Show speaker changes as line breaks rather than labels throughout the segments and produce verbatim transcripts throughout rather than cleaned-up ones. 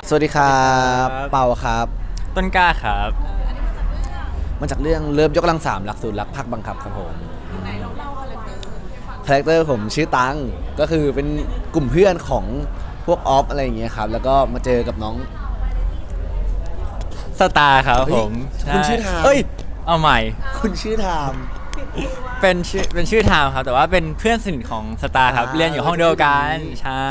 สวัสดีครับเปาครับ
ต้นกล้าครับ
มาจากเรื่องเลิฟยกกำลังสามหลักสูตรรักภาคบังคับครับผมคาแรคเตอร์ผมชื่อตังก็คือเป็นกลุ่มเพื่อนของพวกออฟอะไรอย่างเงี้ยครับแล้วก็มาเจอกับน้อง
สตาร์ครับผม
คุณชื่อทาม
เอ้ยเอาใหม่
คุณชื่อทาม
เป็นชื่อเป็นชื่อทามครับแต่ว่าเป็นเพื่อนสนิทของสตาร์ครับ
อ่า
เรียนอยู่ห้องเดียวกันใช่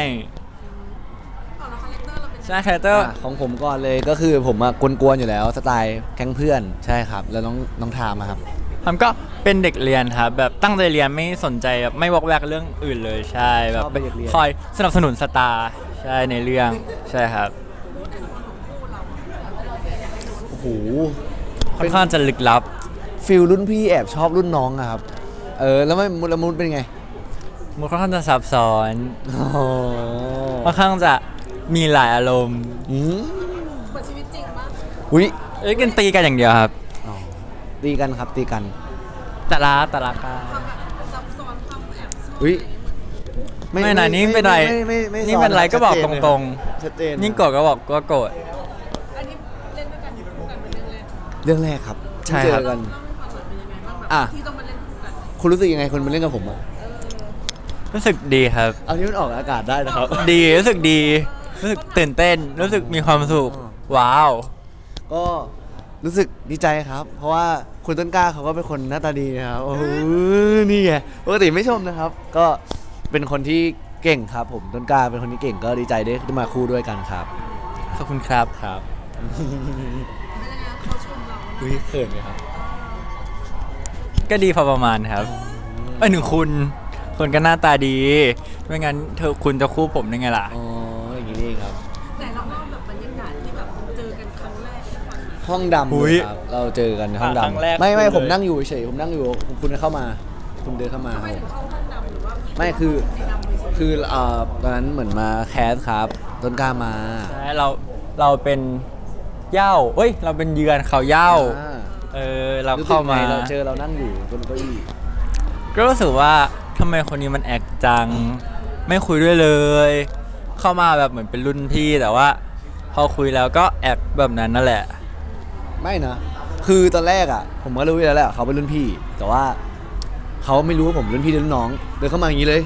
ใช่คาแรคเตอร์
อ่ะของผมก่อนเลยก็คือผมอะกวนๆอยู่แล้วสไตล์แก๊งเพื่อนใช่ครับแล้วน้องน้องทามอะครับ
ทำก็เป็นเด็กเรียนครับแบบตั้งใจเรียนไม่สนใจแบบไม่วอกแวกเรื่องอื่นเลยใช่แบบ
ชอบเป็นเด็กเรียน
คอยสนับสนุนสตาร์ใช่ในเรื่องใช่ครับ
โอ้โห
ค่อนข้างจะลึกลับ
ฟิลรุ่นพี่แอบชอบรุ่นน้องอะครับเออแล้วไม่มุดละมุดเป็นไง
มันค่อนข้างจะซับซ้อน
โอ้โห
ค่อนข้างจะมีหลายอารมณ์
อืม
เหมือนชีวิตจริงปะ
อุ้ย
เอ้ยกันตีกันอย่างเดียวครับ
อ๋อตีกันครับตีกัน
แต่ละแต่ละกัน
ความแบบซับซ้อนความแอบซ่อน
อุ้ย
ไม่นะนี่เป็นไร
ม่ม่ไม่
นี่เป็นไรก็บอกตรง
ๆชัดเจน
ๆยิ่งโกรธก็บอกว่าโกรธ
อันนี้เล่นด้วยกันคู่กันเป็นเรื่องแรก
เรื่องแรกครับ
ใช่
เจ
ครับ
อกัน
เล่าให้ฟังหน่อยเป็นยังไงบ้างแบบ
อ่ะ
ที่ต้องมาเล่นคู่กัน
คุณรู้สึกยังไงคุณมาเล่นกับผมอ่ะ
รู้สึกดีครับ
เอาที่มันออกอากาศได้นะครับ
ดีรู้สึกดีรู้สึกตื่นเต้น รู้สึกมีความสุขว้าว
ก็รู้สึกดีใจครับ เพราะว่าคุณต้นกล้าเขาก็เป็นคนหน้าตาดีนะครับโอ้โหนี่ไงปกติไม่ชมนะครับ ก็เป็นคนที่เก่งครับ ผมต้นกล้าเป็นคนที่เก่งก็ดีใจได้ได้มาคู่ด้วยกันครับ
ขอบคุณครับ
ครับ
เป็นยังไงเขาชมเรา
อุ้ยเขินไหมครับ
ก็ดีพอประมาณครับไอ้ยหนึ่งคุณคนก็หน้าตาดี ไม่งั้นเธอคุณจะคู่ผมได้ไงล่ะ
อ๋ออย่างนี้นี่เองครับ
แต่เราเล่าแบบบรรยากาศที่แบบเจอกันครั้งแรกให้ฟังหน่อย
ห้องดำ
อุ๊
เลย ยครับเราเจอกันในห้อง
อ่ะครั้งแรก
ดำไม่ไม่
คุณเลย
ผมนั่งอยู่เฉยผมนั่งอยู่คุณเข้ามา คุณเดินเข้ามา
ทำไมถึงเข้าห้องดำหรือว่า
ไม่คือ
สีดำเลยใช่ไหม
คือเอ่อตอนนั้นเหมือนมาแคสครับ ต้นกล้ามา
ใช่เราเราเป็นเหย้าเอ้ย เราเป็นเยือนเขาเหย้า
อ่า
เออเรา
รู้สึก
เข้ามา
ไงเราเจอเรานั่งอยู่บนเก้าอี้
ก็รู้สึกว่าทำไมคนนี้มันแอคจัง ไม่คุยด้วยเลย เข้ามาแบบเหมือนเป็นรุ่นพี่แต่ว่า พอคุยแล้วก็แอคแบบนั้นนั่นแหละ
ไม่นะ คือตอนแรกอ่ะ ผมก็รู้อยู่แล้วแหละเขาเป็นรุ่นพี่ แต่ว่าเขาไม่รู้ว่าผมรุ่นพี่หรือรุ่นน้องเดินเข้ามาอย่างนี้เลย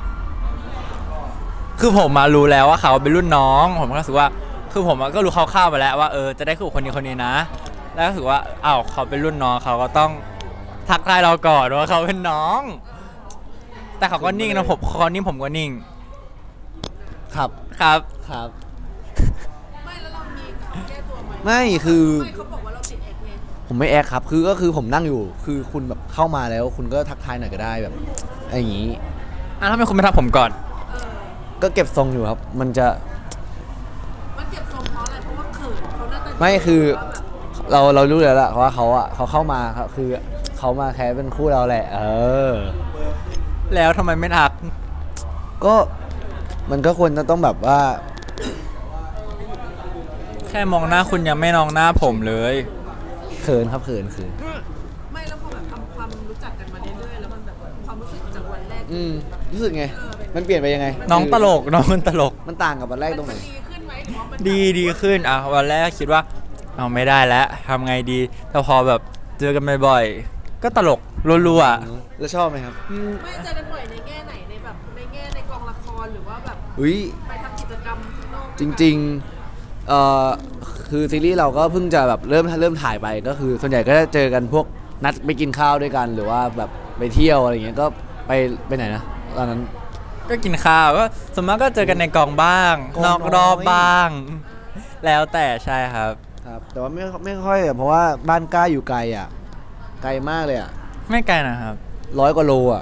คือผมมารู้แล้วว่าเขาเป็นรุ่นน้อง ผมก็รู้สึกว่า คือผมก็รู้คร่าวๆไปแล้วว่าเออจะได้คู่กับคนนี้คนนี้นะ แล้วรู้สึกว่าอ้าวเขาเป็นรุ่นน้องเขาก็ต้องทักทายเราก่อนว่าเขาเป็นน้อง แต่เขาก็นิ่งนะผมเขานิ่งผมก็นิ่ง
ครับ
ครับ
ครับ
ไม่แล้วเรามีคำแก้ตัวไหม
ไม่คือ
ไม่เขาบอกว่าเราติดแอคไง
ผมไม่แอคครับ คือก็คือผมนั่งอยู่ คือคุณแบบเข้ามาแล้ว คุณก็ทักทายหน่อยก็ได้แบบอะไรอย่างนี้
อ่ะทำไมคุณไม่ทักผมก่อน
เออ
ก็เก็บทรงอยู่ครับ มันจะ
มันเก็บทรงเพราะอะไรเพราะว่าเขินเขาน่าจะ
ไม่คือ
ว่าแบบ
เราเรารู้แล้วล่ะว่าเขาอ่ะเขาเข้ามาครับคือเขามาแคสเป็นคู่เราแหละ เออ
แล้วทำไมไม่ทัก
ก็มันก็ควรจะต้องแบบว่า
แค่มองหน้าคุณยังไม่มองหน้าผมเลย
เขินครับเขินเขิน
ไม่แล้วพอแบบทำความรู้จักกันมาเรื่อยๆแล้วมันแบบความรู้สึกจากวันแรก
อืมรู้สึกไง มันเปลี่ยนไปยังไง
น้องตลกน้องมันตลก
มันต่างกับวันแรกตรงไหน
มันดีขึ้นไหมหรือว่ามัน
ดีดีขึ้นอ่ะวันแรกคิดว่าเอาไม่ได้แล้วทำไงดีแต่พอแบบเจอกันบ่อยๆก็ตลกรัวๆอ่ะ
แล้วชอบไหมครับ
ไม่เจอกันบ่อยในแง่ไหนในแบบในแง่ในกองละครหรือว่าแบบ
อุ้ย
ไปทำกิจกรรมข้างนอก
จริงๆเอ่อคือซีรีส์เราก็เพิ่งจะแบบเริ่มเริ่มถ่ายไปก็คือ ส่วนใหญ่ก็จะเจอกันพวกนัดไปกินข้าวด้วยกัน หรือว่าแบบไปเที่ยวอะไรเงี้ยก็ไปไปไหนนะตอนนั้น
ก็กินข้าวก็ส่วนมากก็เจอกันในกองบ้าง
กอง
นอกรอบบ้าง แล้วแต่ใช่ครับ
ครับแต่ว่าไม่ไม่ค่อยอะเพราะว่าบ้านกล้าอยู่ไกลอ่ะ ไกลมากเลยอ่ะ
ไม่ไกลนะครับ
ร้อยกว่าโลอ่ะ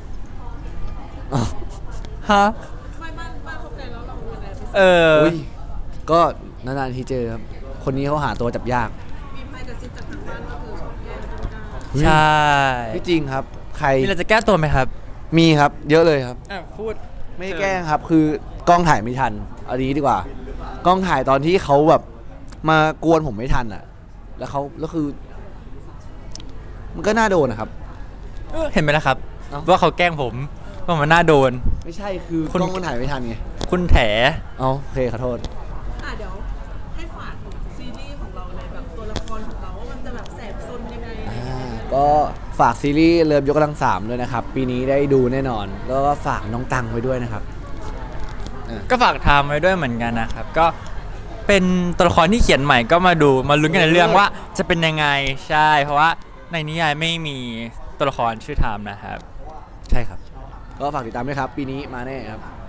ฮะ
ไม่บ้านบ้านเขาไกลแล้วเราเป็นอะไรไป
เออ
อุ้ยก็นานๆทีเจอครับ คนนี้เขาหาตัวจับยาก
มีไพ่กระซิบจากทางบ้านก็คือชอบแย่งต้นกล้า
ใช่
ไม่จริงครับ ใคร
มีอะไรจะแก้ตัวไหมครับ
มีครับ เยอะเลยครับ
อ่ะพูด
ไม่ได้แกล้งครับ คือกล้องถ่ายไม่ทันเอาดีดีกว่า กล้องถ่ายตอนที่เขาแบบมากวนผมไม่ทันอ่ะ แล้วเขาแล้วคือ มันก็น่าโดนนะครับ
เออเห็นไหมล่ะครับ
เอ้า
ว่าเขาแกล้งผมว่ามันน่าโดน
ไม่ใช่คือ
คุณ
กล้องมันถ่ายไม่ทันไง
คุณแถ
เอาโอเคขอโทษ
อ่ะเดี๋ยวรของเราว่ามันจะแบบแสบซนยังไงอะไรอย่าง
อ่า
เงี้ย
ก็ฝากซีรีส์เลิฟยกกำลังสามด้วยนะครับ ปีนี้ได้ดูแน่นอน แล้วก็ฝากน้องตังไว้ด้วยนะครับ
ก็ฝากไทม์ไว้ด้วยเหมือนกันนะครับ ก็เป็นตัวละครที่เขียนใหม่ก็มาดูมาลุ้นกันในเรื่องว่าจะเป็นยังไงใช่ เพราะว่าในนิยายไม่มีตัวละครชื่อไทม์นะครับ
ใช่ครับ ก็ฝากติดตามด้วยครับ ปีนี้มาแน่ครับ